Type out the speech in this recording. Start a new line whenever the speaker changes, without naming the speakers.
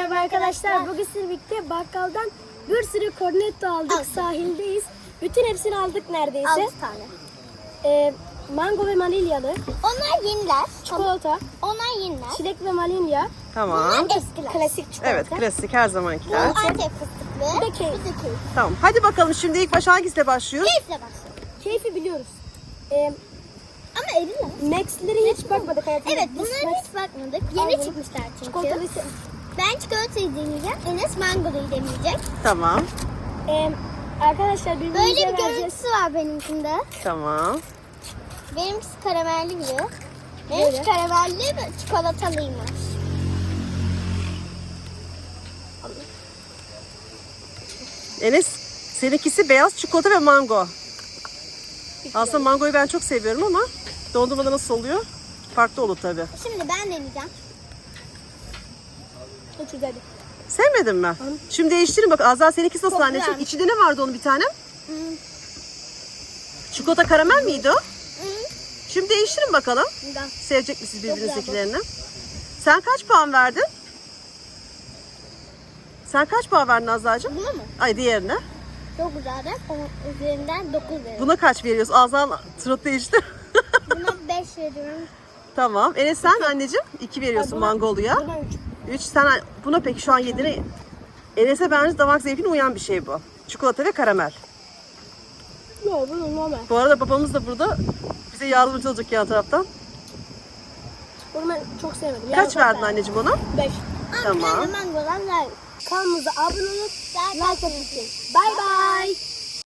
Merhaba arkadaşlar. Bugün sizlerle birlikte bakkaldan bir sürü cornetto aldık. Sahildeyiz. Bütün hepsini aldık neredeyse.
6 tane.
Mango ve vanilyalı.
Onlar yeniler.
Çikolata.
Onlar yeniler.
Çilek ve vanilya.
Tamam.
Bunlar eskiler.
Klasik çikolata.
Evet, klasik her zamankiler.
Bu Antep fıstıklı.
Bir de keyif.
Bir de keyif.
Tamam. Hadi bakalım şimdi ilk baş hangisiyle başlıyoruz?
Keyifle başlayalım.
Keyfi biliyoruz.
Ama eriler.
Max'lere hiç bakmadık hayatımda.
Evet,
Biz
bunlara
Max
hiç bakmadık.
Aldım.
Yeni çıkmışlar çünkü.
çikolatalısı.
Ben çikolatayı deneyeceğim. Enes mangoluyu deneyecek.
Tamam.
Arkadaşlar birbirimize
Böyle bir
vereceğiz.
görüntüsü var benimkinde.
Tamam.
Benimkisi karamelli gibi.
Böyle.
Benimki karamelli ve çikolatalıymış.
Enes, seninkisi beyaz çikolata ve mango. Aslında mangoyu ben çok seviyorum ama dondurmada nasıl oluyor? Farklı olur tabii.
Şimdi ben deneyeceğim.
Çok güzeldi.
Sevmedin mi? Şimdi değiştirin bak. Azra seninkisi nasıl
Çok
anneciğim?
güzelmiş.
İçinde ne vardı onun bir tane? Çikolata karamel miydi o? Şimdi değiştirin bakalım.
Bundan.
Sevecek misiniz
güzel bu.
birbirinizdekilerini? Sen kaç puan verdin? Sen kaç puan verdin Azra'cığım?
Buna mı?
Ay diğerine.
Çok güzeldi. Onun üzerinden 9 veriyorum.
Buna kaç veriyoruz? Azra surat değişti.
Buna 5 veriyorum.
Tamam. Enes sen anneciğim 2 veriyorsun
Ay, buna-
mangoluya.
Buna 3.
3 sen buna peki şu an 7'ne Enes'e bence damak zevkine uyan bir şey bu. Çikolata ve karamel.
Yok bu normal.
Bu arada babamız da burada bize yardımcı olacak yan taraftan.
Bunu ben çok sevmedim.
Kaç verdin anneciğim ona?
5.
Tamam.
Ama mangolar like.
Kanalımıza abone olup
Like
like atın. Bye bye.